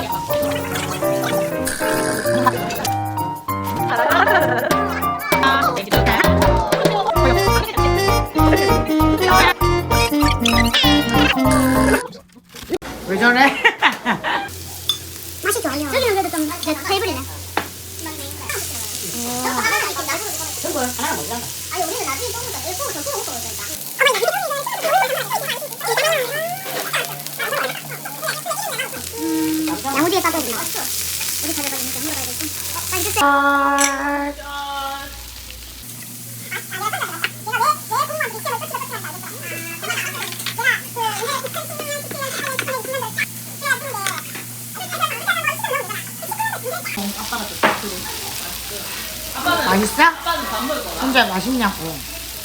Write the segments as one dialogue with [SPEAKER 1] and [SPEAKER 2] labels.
[SPEAKER 1] 왜 저래?
[SPEAKER 2] 맛이 좋아요. 여기는 그래도 좀 배부리네.
[SPEAKER 1] 저거 하나 못 잡아.
[SPEAKER 2] 아니 우리는 나중에 먹는다. 내 속을 더 먹고 그러니까. 야무지게 싸줘야 된다. 우리 가져가야 되니까 물어봐야 되고. 빨리 주세요.
[SPEAKER 1] 맛있어? 혼자 맛있냐고.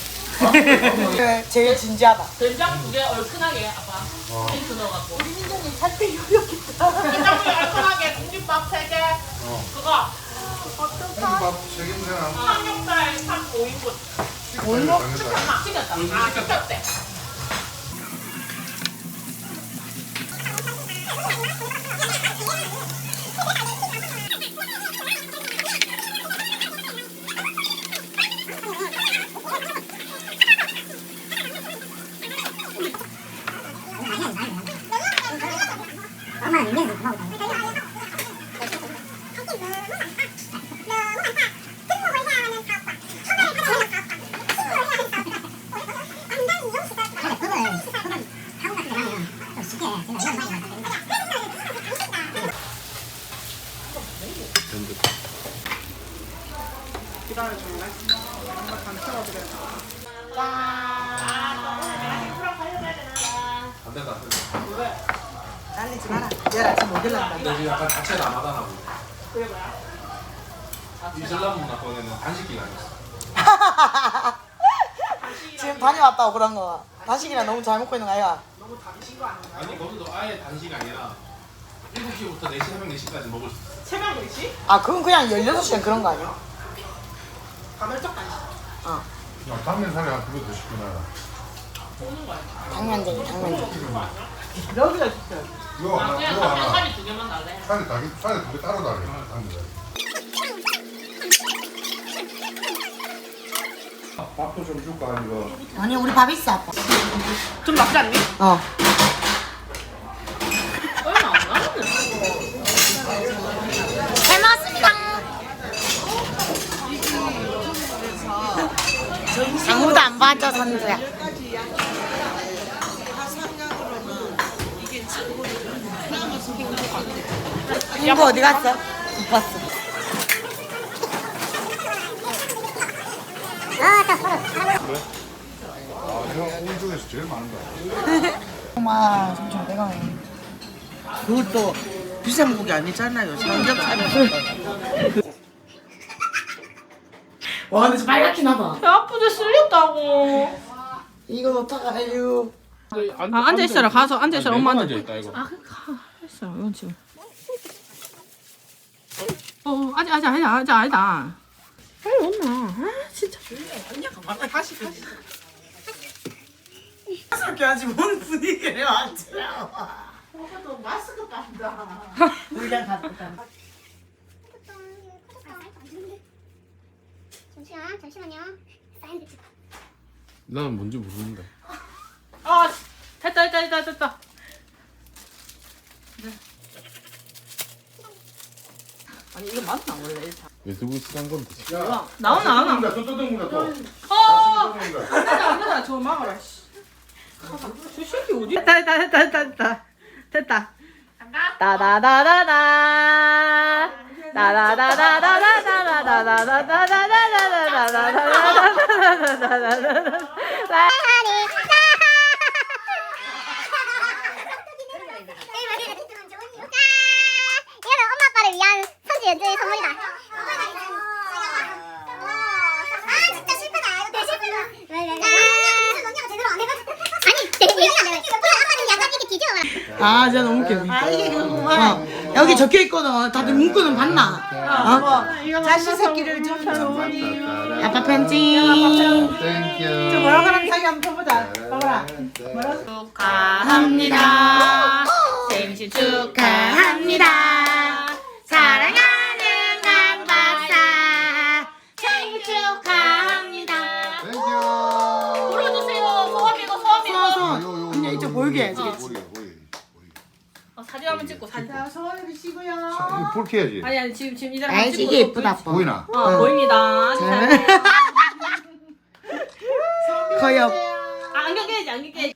[SPEAKER 1] 제일 진지하다.
[SPEAKER 3] 된장 2개 얼큰하게 아빠 힌트 넣어갖고 우리 민정님 살때 요리했겠다 된장국에 얼큰하게 공깃밥 3개 그거
[SPEAKER 4] 밥 책임져라.
[SPEAKER 3] 삼겹살 5인분 시켰다 시켰대
[SPEAKER 2] 엄마는 인간에서 고마워.
[SPEAKER 4] 안 된다.
[SPEAKER 1] 날리지 마라. 내일 아침 못 일난다.
[SPEAKER 4] 근데 지금 약간 자체 남하다나고.
[SPEAKER 3] 그래 뭐야?
[SPEAKER 4] 이슬람 문화 거에는 단식기가 있어.
[SPEAKER 1] 지금 다녀왔다고 그런 거. 단식이랑 너무 잘 먹고 있는 거 아이가?
[SPEAKER 3] 너무 당신 거 아닌가?
[SPEAKER 4] 아니 거기도 아예 단식이 아니라 7시부터 4시, 새벽 4시까지 먹을 수 있어.
[SPEAKER 3] 새벽 4시?
[SPEAKER 1] 아 그건 그냥 16시간 그런 거 아니야?
[SPEAKER 3] 가멸적 당신
[SPEAKER 1] 어.
[SPEAKER 4] 야, 당면 살이 한 그거 더 시키나.
[SPEAKER 3] 오는 거야
[SPEAKER 1] 당면쟁이 당면쟁이.
[SPEAKER 3] 여기가 있어요
[SPEAKER 4] 이거 하나,
[SPEAKER 3] 그냥
[SPEAKER 4] 이거 하나.
[SPEAKER 3] 살이 2개만 달래
[SPEAKER 4] 살이 두개 따로 달려. 당면. 밥도 좀 줄까 이거.
[SPEAKER 1] 아니 우리 밥 있어 아빠.
[SPEAKER 3] 좀 낫지 않니?
[SPEAKER 1] 어.
[SPEAKER 3] 얼마 안 나는데
[SPEAKER 2] 잘 먹었습니다.
[SPEAKER 1] 아무도 안 봐줘 선주야. 이거 어디 갔어? 못 봤어.
[SPEAKER 2] 아, 딱 서로.
[SPEAKER 4] 아, 형 오늘 중에서 제일 많은 거야.
[SPEAKER 1] 정말 3,500원.
[SPEAKER 5] 그것도 비싼 고기 아니잖아요. 삼겹살은.
[SPEAKER 1] 와 근데 빨갛긴 하다.
[SPEAKER 3] 배 아프게 쓸렸다고
[SPEAKER 1] 이건 어떡해요.
[SPEAKER 3] 아 앉아있어라 가서 앉아있어라 엄마 앉아
[SPEAKER 4] 있다 이거.
[SPEAKER 3] 아 그니까 했어 이건 지금 아니다 빨리 온나 아 진짜
[SPEAKER 1] 그렇게 하지 뭔 분위기를 맞추라고.
[SPEAKER 5] 마스크 빤다.
[SPEAKER 1] 우리랑 갔다.
[SPEAKER 2] 잠시만요. 사인드 찍어.
[SPEAKER 4] 나는 뭔지 모르는데.
[SPEAKER 3] 아 됐다 네. 아니 이거 맞나 원래
[SPEAKER 4] 유튜브 시간 건데.
[SPEAKER 3] 야 나오나
[SPEAKER 4] 또 뜯는다 또.
[SPEAKER 3] 안 된다 저거 막아라 씨. 저 새끼 어디 됐다 따다다다다
[SPEAKER 2] 이거는 엄마 아빠를 위한 선지 연주의 선물이다. 아 진짜 슬프다. 이거 되게 슬프다. 언니가 제대로 안 해가지고. 아니 되게 얘기가 안 돼. 엄마는 약간 이렇게 뒤집어 봐.
[SPEAKER 1] 아 진짜 너무 웃겨.
[SPEAKER 5] 아 이게 그거구만.
[SPEAKER 1] 여기 적혀 있거든. 다들 문구는 봤나?
[SPEAKER 5] 자식 새끼를 좀 좋으니.
[SPEAKER 1] 아빠 편지.
[SPEAKER 5] 저 뭐라고 하는 사이 한번 펴보자. 봐봐라.
[SPEAKER 3] 축하합니다 생신 축하합니다 사진 한번 찍고 사진.
[SPEAKER 5] 자, 소원을 비시고요.
[SPEAKER 6] 이거 불 켜야지.
[SPEAKER 3] 아니 지금 이대로
[SPEAKER 1] 알지,
[SPEAKER 3] 찍고
[SPEAKER 1] 이게
[SPEAKER 3] 또
[SPEAKER 1] 예쁘다, 아빠.
[SPEAKER 6] 보이나?
[SPEAKER 3] 보입니다.
[SPEAKER 1] 커요.
[SPEAKER 3] 안경 깨야지 안경 깨야지.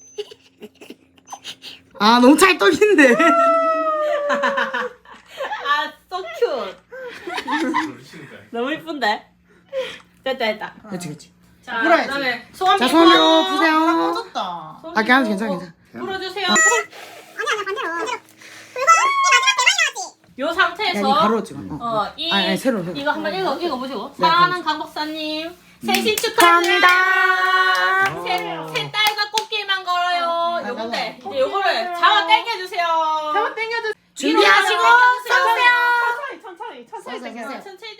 [SPEAKER 1] 아, 너무 찰떡인데.
[SPEAKER 3] 아, so cute. 너무 이쁜데? 됐다.
[SPEAKER 1] 그렇지, 그렇지.
[SPEAKER 3] 자,
[SPEAKER 5] 불어야지.
[SPEAKER 3] 그다음에 소원
[SPEAKER 1] 자,
[SPEAKER 3] 빌고.
[SPEAKER 1] 손으로 푸세요.
[SPEAKER 5] 꺼졌다.
[SPEAKER 3] 소원
[SPEAKER 1] 아, 괜찮아,
[SPEAKER 3] 빌고
[SPEAKER 1] 괜찮아.
[SPEAKER 3] 불어주세요.
[SPEAKER 2] 아니 반대로. 그리고 이 마지막 대박이 나왔지.
[SPEAKER 3] 요
[SPEAKER 1] 야, 니
[SPEAKER 3] 상태에서
[SPEAKER 1] 바로 찍어. 아니, 새로.
[SPEAKER 3] 이거 한번 읽어보시고.
[SPEAKER 1] 네,
[SPEAKER 3] 사랑하는 강 박사님 생신 축하합니다. 새 딸과 꽃길만 걸어요. 요건데 이제 요거를 잡아 당겨주세요.
[SPEAKER 5] 잡아 당겨주.
[SPEAKER 1] 준비하시고 써주세요.
[SPEAKER 5] 천천히
[SPEAKER 1] 써주세요.
[SPEAKER 3] 천천히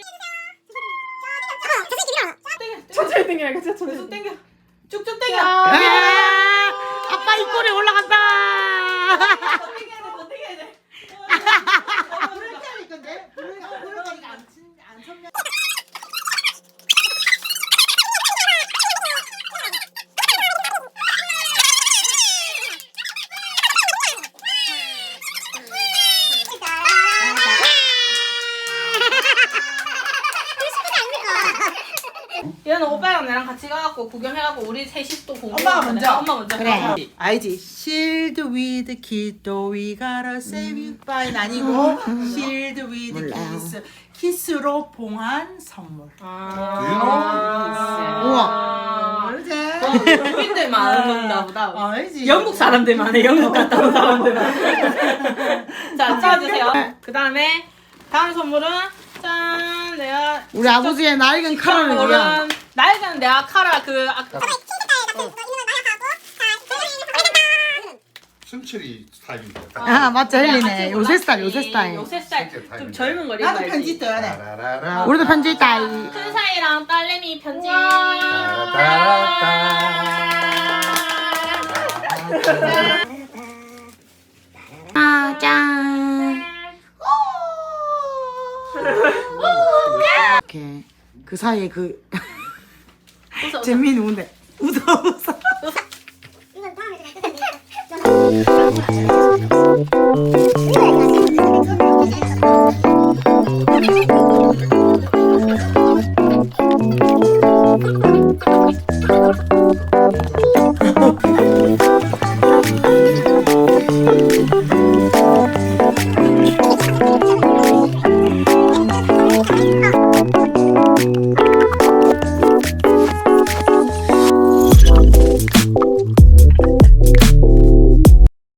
[SPEAKER 5] 천천히 당겨야 돼.
[SPEAKER 3] 계속 당겨. 쭉쭉 당겨.
[SPEAKER 1] 아, 아빠 입꼬리 올라간다.
[SPEAKER 3] 더 당겨야 돼.
[SPEAKER 5] 불을 켜야 건데. 불을 켜니까 안 쳤네.
[SPEAKER 3] 얘는 오빠랑 나랑 같이 가갖고 구경해갖고 우리 셋이 또 공부.
[SPEAKER 5] 엄마가 먼저.
[SPEAKER 3] 엄마 먼저.
[SPEAKER 1] 그래.
[SPEAKER 5] 알지? Shield with kiddo we gotta save you by는 아니고 Shield with kiss. 키스로 봉한 선물.
[SPEAKER 1] 우와.
[SPEAKER 5] 알지?
[SPEAKER 3] 영국인들 많은 건가 보다.
[SPEAKER 5] 알지?
[SPEAKER 3] 영국 사람들만 해. 영국 갔다 온 사람들만. 자, 찍어주세요. 그 다음에 다음 선물은 짠 내가
[SPEAKER 1] 우리 아버지의 낡은 카라를 위한.
[SPEAKER 3] 낡은 내가 카라 그 아까
[SPEAKER 6] 순철이 스타일인데.
[SPEAKER 1] 아, 맞죠, 헬리네.
[SPEAKER 3] 같이
[SPEAKER 1] 요새 스타일,
[SPEAKER 3] 골랐지.
[SPEAKER 1] 요새 스타일.
[SPEAKER 3] 요새 스타일
[SPEAKER 6] 요새
[SPEAKER 3] 좀
[SPEAKER 6] 스타일.
[SPEAKER 3] 젊은 거
[SPEAKER 5] 나도
[SPEAKER 3] 입어야지.
[SPEAKER 5] 편지 떠야 돼.
[SPEAKER 6] 따라라라.
[SPEAKER 1] 우리도 편지 있다.
[SPEAKER 3] 큰 사이랑 딸내미 편지.
[SPEAKER 1] 아, 짠. 이렇게 그 사이에 그
[SPEAKER 3] 웃어, 웃어.
[SPEAKER 1] 재민이 누군데? 웃어.
[SPEAKER 2] 이건 다음에 제가 뜯어드릴게요.
[SPEAKER 1] 짠.